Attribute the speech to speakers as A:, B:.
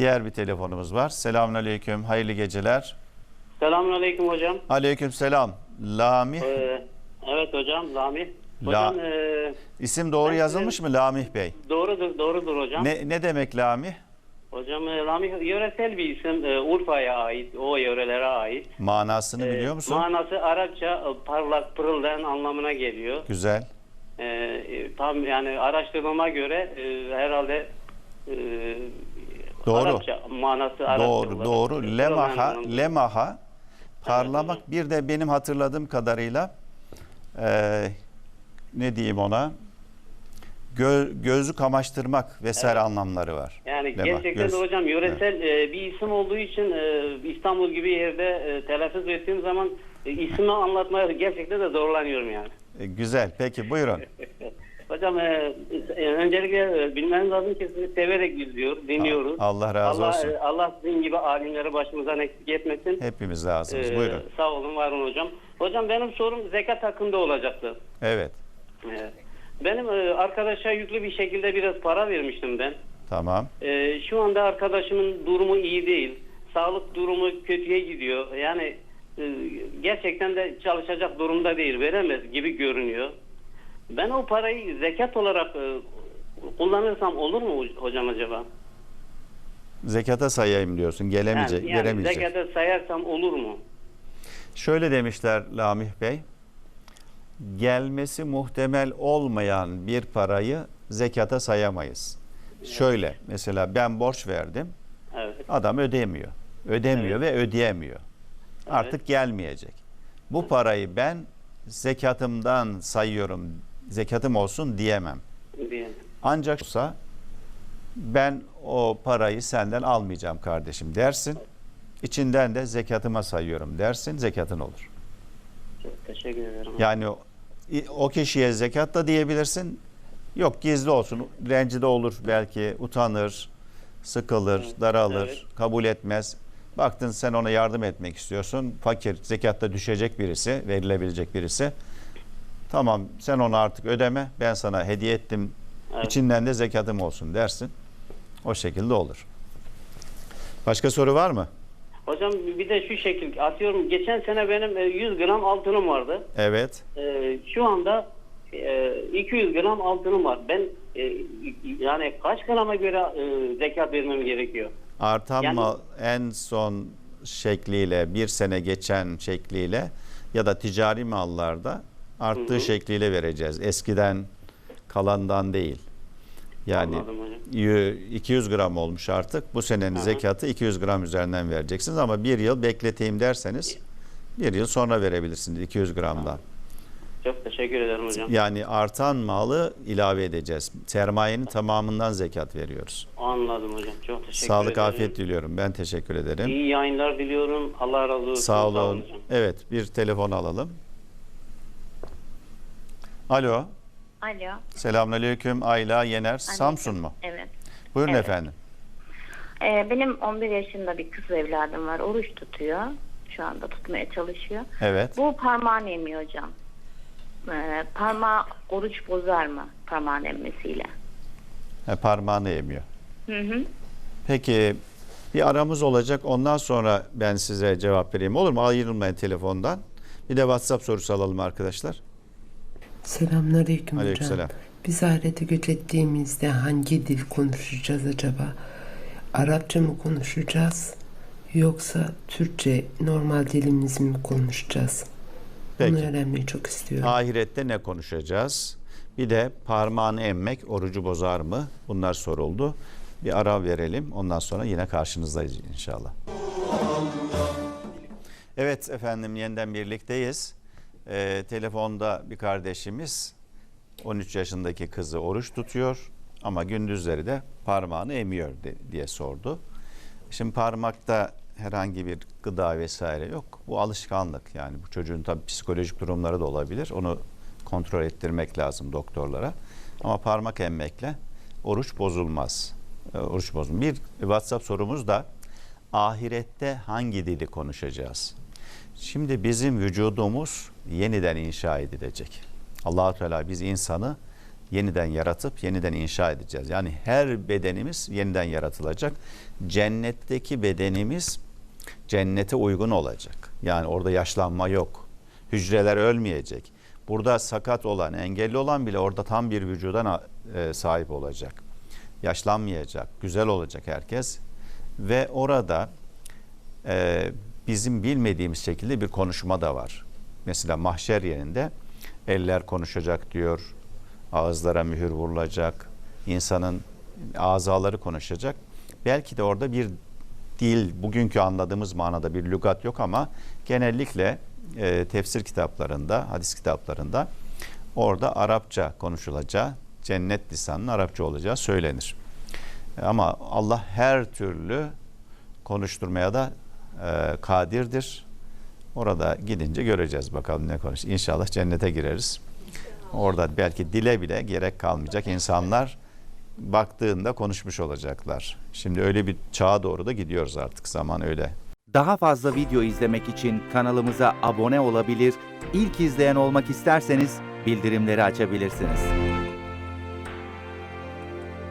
A: Diğer bir telefonumuz var. Selamünaleyküm. Hayırlı geceler.
B: Selamünaleyküm hocam.
A: Aleykümselam. Lamih.
B: Evet hocam, Lamih. Hocam
A: İsim doğru yazılmış mı Lamih Bey?
B: doğrudur hocam.
A: Ne demek Lamih?
B: Hocam Lamih yöresel bir isim, Urfa'ya ait, o yörelere ait.
A: Manasını biliyor musun?
B: Manası Arapça parlak, pırıldayan anlamına geliyor.
A: Güzel.
B: Tam yani araştırmama göre herhalde
A: Doğru.
B: Arapça manası Arapça olarak.
A: Doğru. Lemaha,
B: Pırıldayan
A: lemaha parlamak.
B: Evet,
A: bir de benim hatırladığım kadarıyla ne diyeyim ona? Gözü kamaştırmak vesaire anlamları var.
B: Yani
A: Lemah,
B: gerçekten de hocam yöresel bir isim olduğu için İstanbul gibi yerde telaffuz ettiğim zaman ismi anlatmaya gerçekten de zorlanıyorum yani.
A: Güzel. Peki buyurun.
B: Hocam öncelikle bilmeniz lazım ki sizi severek dinliyoruz.
A: Allah razı olsun.
B: Allah sizin gibi alimleri başımızdan eksik etmesin.
A: Hepimiz lazımız. Buyurun.
B: Sağ olun, var olun hocam. Hocam benim sorum zekat hakkında olacaktı.
A: Evet.
B: Benim arkadaşa yüklü bir şekilde biraz para vermiştim ben.
A: Tamam.
B: Şu anda arkadaşımın durumu iyi değil. Sağlık durumu kötüye gidiyor. Yani gerçekten de çalışacak durumda değil. Veremez gibi görünüyor. Ben o parayı zekat olarak kullanırsam olur mu hocam acaba?
A: Zekata sayayım diyorsun. Gelemeyecek,
B: Yani
A: veremeyecek.
B: zekata sayarsam olur mu?
A: Şöyle demişler Lamih Bey. Gelmesi muhtemel olmayan bir parayı zekata sayamayız. Şöyle mesela ben borç verdim.
B: Evet.
A: Adam ödemiyor. Ödemiyor ve ödeyemiyor. Artık gelmeyecek. Bu parayı ben zekatımdan sayıyorum. Zekatım olsun diyemem.
B: Diyelim.
A: Ancak olsa ben o parayı senden almayacağım kardeşim dersin. İçinden de zekatıma sayıyorum dersin. Zekatın olur.
B: Çok teşekkür ederim.
A: Yani o kişiye zekat da diyebilirsin. Yok gizli olsun. Rencide olur belki. Utanır, sıkılır, daralır, kabul etmez. Baktın sen ona yardım etmek istiyorsun. Fakir, zekatta düşecek birisi, verilebilecek birisi. Tamam sen onu artık ödeme. Ben sana hediye ettim. İçinden de zekatım olsun dersin. O şekilde olur. Başka soru var mı?
B: Hocam bir de şu şekil atıyorum. Geçen sene benim 100 gram altınım vardı.
A: Evet.
B: Şu anda 200 gram altınım var. Ben yani kaç grama göre zekat vermem gerekiyor?
A: Artan
B: Yani-
A: mal en son şekliyle, bir sene geçen şekliyle ya da ticari mallarda arttığı şekliyle vereceğiz. Eskiden kalandan değil. Yani
B: Anladım hocam.
A: 200 gram olmuş artık. Bu senenin zekatı 200 gram üzerinden vereceksiniz ama bir yıl bekleteyim derseniz bir yıl sonra verebilirsiniz 200 gramdan.
B: Çok teşekkür ederim hocam.
A: Yani artan malı ilave edeceğiz. Sermayenin tamamından zekat veriyoruz.
B: Anladım hocam. Çok teşekkür
A: Sağlık,
B: ederim.
A: afiyet diliyorum. Ben teşekkür ederim.
B: İyi yayınlar diliyorum. Allah razı olsun.
A: Sağ olun.
B: hocam.
A: Evet, bir telefon alalım. Alo.
C: Alo.
A: Selamünaleyküm. Ayla Yener. Samsun mu?
C: Evet.
A: Buyurun
C: Evet.
A: efendim.
C: Benim 11 yaşında bir kız evladım var. Oruç tutuyor. Şu anda tutmaya çalışıyor.
A: Evet.
C: Bu parmağını emiyor hocam. Parmağı oruç bozar mı parmağın emmesiyle?
A: Parmağını yemiyor.
C: Hı hı.
A: Peki bir aramız olacak. Ondan sonra ben size cevap vereyim. Olur mu? Ayrılmayın telefondan. Bir de WhatsApp sorusu alalım arkadaşlar.
D: Selamünaleyküm hocam.
A: Aleykümselam.
D: Biz ahirete göç ettiğimizde hangi dil konuşacağız acaba? Arapça mı konuşacağız? Yoksa Türkçe normal dilimiz mi konuşacağız?
A: Peki.
D: Bunu öğrenmeyi çok istiyorum.
A: Ahirette ne konuşacağız? Bir de parmağını emmek orucu bozar mı? Bunlar soruldu. Bir ara verelim. Ondan sonra yine karşınızdayız inşallah. Evet efendim yeniden birlikteyiz. Telefonda bir kardeşimiz 13 yaşındaki kızı oruç tutuyor ama gündüzleri de parmağını emiyor diye sordu. Şimdi parmakta herhangi bir gıda vesaire yok. Bu alışkanlık yani bu çocuğun tabii psikolojik durumları da olabilir. Onu kontrol ettirmek lazım doktorlara. Ama parmak emmekle oruç bozulmaz. Oruç bozulmaz. Bir WhatsApp sorumuz da ahirette hangi dili konuşacağız? Şimdi bizim vücudumuz yeniden inşa edilecek. Allah-u Teala biz insanı yeniden yaratıp yeniden inşa edeceğiz. Yani her bedenimiz yeniden yaratılacak. Cennetteki bedenimiz cennete uygun olacak. Yani orada yaşlanma yok. Hücreler ölmeyecek. Burada sakat olan, engelli olan bile orada tam bir vücuda sahip olacak. Yaşlanmayacak, güzel olacak herkes. Ve orada bizim bilmediğimiz şekilde bir konuşma da var. Mesela mahşer yerinde eller konuşacak diyor, ağızlara mühür vurulacak, insanın azaları konuşacak. Belki de orada bir dil, bugünkü anladığımız manada bir lügat yok ama genellikle tefsir kitaplarında, hadis kitaplarında orada Arapça konuşulacağı, cennet lisanının Arapça olacağı söylenir. Ama Allah her türlü konuşturmaya da kadirdir. Orada gidince göreceğiz bakalım ne konuş. İnşallah cennete gireriz. Orada belki dile bile gerek kalmayacak. İnsanlar baktığında konuşmuş olacaklar. Şimdi öyle bir çağa doğru da gidiyoruz artık. Zaman öyle.
E: Daha fazla video izlemek için kanalımıza abone olabilir, ilk izleyen olmak isterseniz bildirimleri açabilirsiniz.